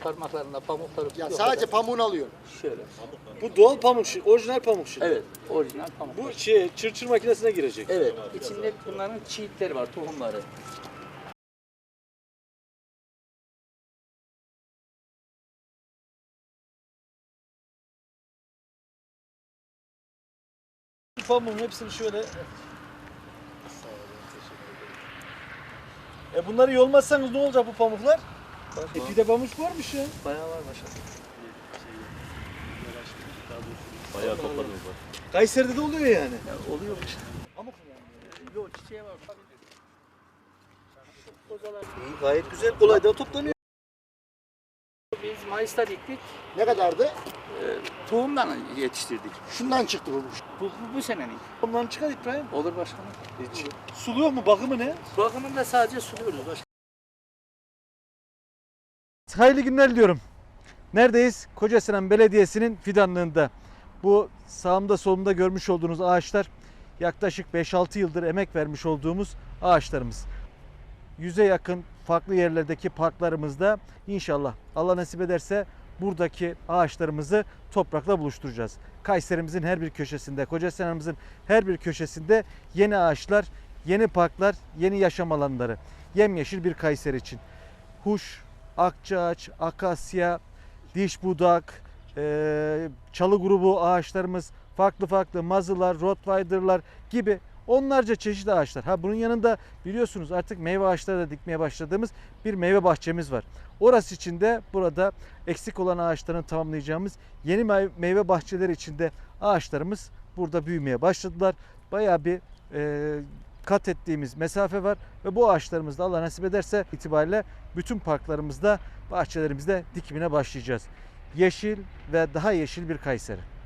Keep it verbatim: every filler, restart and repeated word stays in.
parmaklarında pamukları Ya yok sadece kadar. pamuğunu alıyor. Şöyle. Bu doğal pamuk, şi- orijinal pamuk şimdi. Evet, orijinal pamuk. Bu şey, çırçır makinesine girecek. Evet, içinde bunların çiğitleri var, tohumları. Bu pamuğun hepsini şöyle... E bunları yolmazsanız ne olacak bu pamuklar? E bir de pamuk varmış ya. Bayağı var maşallah. Bayağı topladınız var. Kayseri'de de oluyor yani. Ya, oluyor işte. Pamuk mu yani? Yok, çiçeği var. İyi, gayet güzel. Kolay da toplanıyor. Biz Mayıs'ta diktik, Ne kadardı? e, tohumdan yetiştirdik. Şundan çıktı bu. Bu, bu, bu senenin. Ondan çıkar İbrahim. Olur başkanım. Hiç. Sulu yok mu? Bakımı ne? Bakımında sadece suluyoruz başkanım. Hayırlı günler diliyorum. Neredeyiz? Kocasinan Belediyesi'nin fidanlığında. Bu sağımda solumda görmüş olduğunuz ağaçlar yaklaşık beş altı yıldır emek vermiş olduğumuz ağaçlarımız. Yüze yakın farklı yerlerdeki parklarımızda inşallah Allah nasip ederse buradaki ağaçlarımızı toprakla buluşturacağız. Kayserimizin her bir köşesinde, Kocasinan'ımızın her bir köşesinde yeni ağaçlar, yeni parklar, yeni yaşam alanları. Yemyeşil bir Kayseri için. Huş, akçaağaç, akasya, diş budak, e, çalı grubu ağaçlarımız, farklı farklı mazılar, rottweiler'lar gibi onlarca çeşitli ağaçlar. Ha bunun yanında biliyorsunuz artık meyve ağaçları da dikmeye başladığımız bir meyve bahçemiz var. Orası için de burada eksik olan ağaçların tamamlayacağımız yeni meyve bahçeleri içinde ağaçlarımız burada büyümeye başladılar. Bayağı bir e, kat ettiğimiz mesafe var ve bu ağaçlarımızda Allah nasip ederse itibariyle bütün parklarımızda, bahçelerimizde dikimine başlayacağız. Yeşil ve daha yeşil bir Kayseri.